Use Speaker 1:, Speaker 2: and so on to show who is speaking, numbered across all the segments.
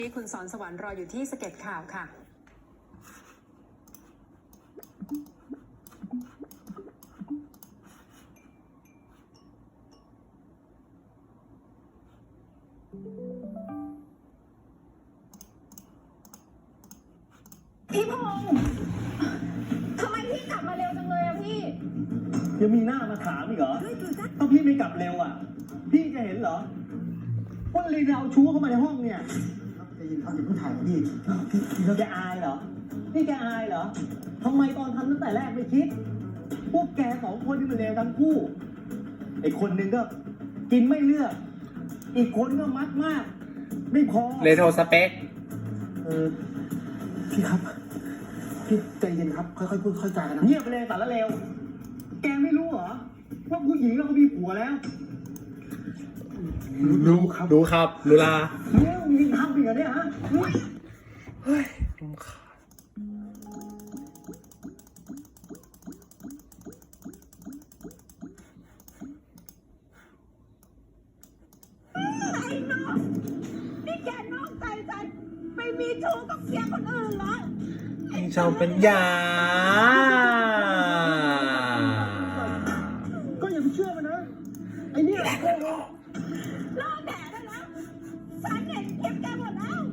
Speaker 1: คุณสอนสวรรค์รออยู่ที่สเก็ตข่าวค่ะ
Speaker 2: พี่พงษ์ทำไมพี่กลับมาเร็วจังเลยอะพี่
Speaker 3: ยังมีหน้ามาถามอีกเหรอถ้าพี่ไม่กลับเร็วอ่ะพี่จะเห็นเหรอว่าลีนเอาชู้เข้ามาในห้องเนี่ยจะยินเขาจะพูดถ่ายพี่เราจะอายเหรอนี่แกอายเหรอทำไมตอนทำตั้งแต่แรกไม่คิดพวกแกสองคนที่มันเลวทั้งคู่ไอ้คนหนึ่งก็กินไม่เลือกอีกคนก็มักมากไม่พอ
Speaker 4: เรโทรสเปค
Speaker 3: พี่ครับพี่ใจเย็นครับค่อยๆพูดค่อยๆจากันนะเงียบไปเลยสารเลวแกไม่รู้เหรอว่าผู้หญิงเรามีผัวแล้ว
Speaker 4: รู้ครับรู้ลา
Speaker 3: เนี่ยมีทำอีกเหรอเนี่ยฮะ
Speaker 4: เฮ้ยรำคาญ
Speaker 2: นี่แกนอกใจฉันไปมีชู้กับเสียคนอื่นเหรอ
Speaker 4: ชาวเป็นยา
Speaker 3: ก็อย่าไปเชื่อมันนะไอ้เนี่ย
Speaker 2: รอแดดได้แล้วฉันเห็นคลิปแกหมดแล้ว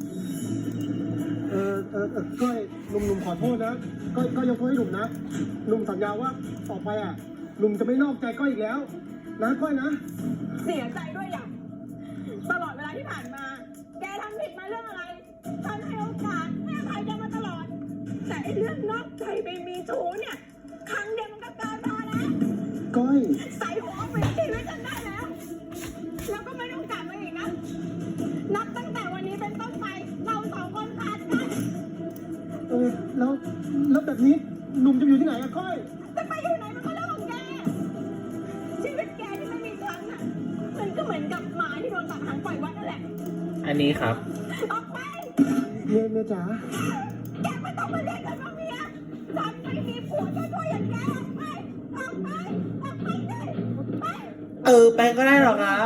Speaker 3: ก้อยหนุ่มขอโทษนะก็ยกโทษให้หนุ่มนะหนุ่มสัญญาว่าต่อไปอ่ะหนุ่มจะไม่นอกใจก้อยอีกแล้วนะก้อยนะ
Speaker 2: เสียใจด้วยอย่างตลอดเวลาที่ผ่านมาแกทำผิดมาเรื่องอะไรฉันให้โอกาสให้อภัยแกมาตลอดแต่ไอ้เรื่องนอกใจไปมีชู้เนี่ยครั้งเดียวมันก็เกินพอแล้ว
Speaker 3: ก้อย
Speaker 2: ใส่หัวไปชีวิตฉันได้แล้วแล้วก็ไม่ต้องกลับมาอีกนะนับตั้งแต่วันนี้เป็นต้นไปเราสองคนขาดกัน
Speaker 3: แล้วแบบนี้หนุ่มจะอยู่ที่ไหนอะก้อย
Speaker 2: จะไปอยู่ไหนมันก็เรื่องของแกชีวิตแกที่ไม่มีฉันน่ะมันก็เหมือนกับหมาที่โดนตัดหางปล่อยวัดนั่นแหละ
Speaker 4: อันนี้ครับ
Speaker 2: ออกไป
Speaker 3: เมียจ๋า
Speaker 2: แกไม่ต้องมาเรียกฉันว่าเมียฉันไม่มีผัวช่วยอย่างแกออกไปเลย
Speaker 4: ไปก็ได้หรอครับ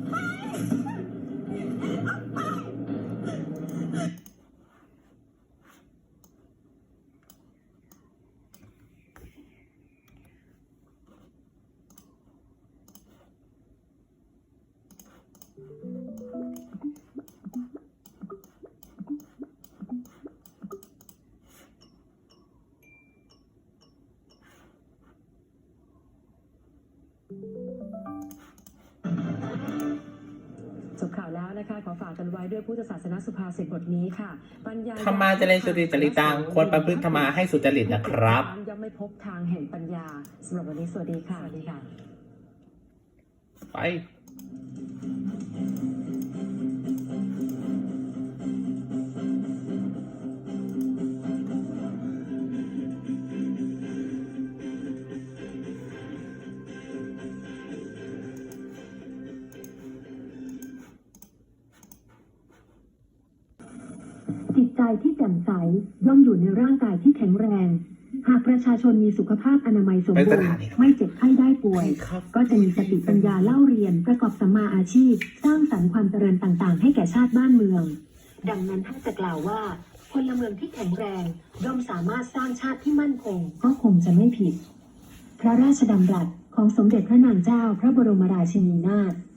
Speaker 1: จบข่าวแล้วนะคะขอฝากกันไว้ด้วยพุทธศาสนสุภาษิตบทนี้ค่ะปัญญา
Speaker 4: ธรรมาจะเรียนสุจริตตังควรประพฤติธรรมาให้สุจริตนะครับ
Speaker 1: ย่อมไม่พบทางแห่งปัญญาสำหรับวันนี้สวัสดีค่ะ
Speaker 4: ไป
Speaker 5: จิตใจที่แจ่มใสย่อมอยู่ในร่างกายที่แข็งแรง หากประชาชนมีสุขภาพอนามัยสมบูรณ์ไม่เจ็บไข้ได้ป่วยก็จะมีสติปัญญาเล่าเรียนประกอบสัมมาอาชีพสร้างสรรค์ความเจริญต่างๆให้แก่ชาติบ้านเมืองดังนั้นถ้าจะกล่าวว่าพลเมืองที่แข็งแรงย่อมสามารถสร้างชาติที่มั่นคงก็คงจะไม่ผิดพระราชดำรัสของสมเด็จพระนางเจ้าพระบรมราชินีนาถ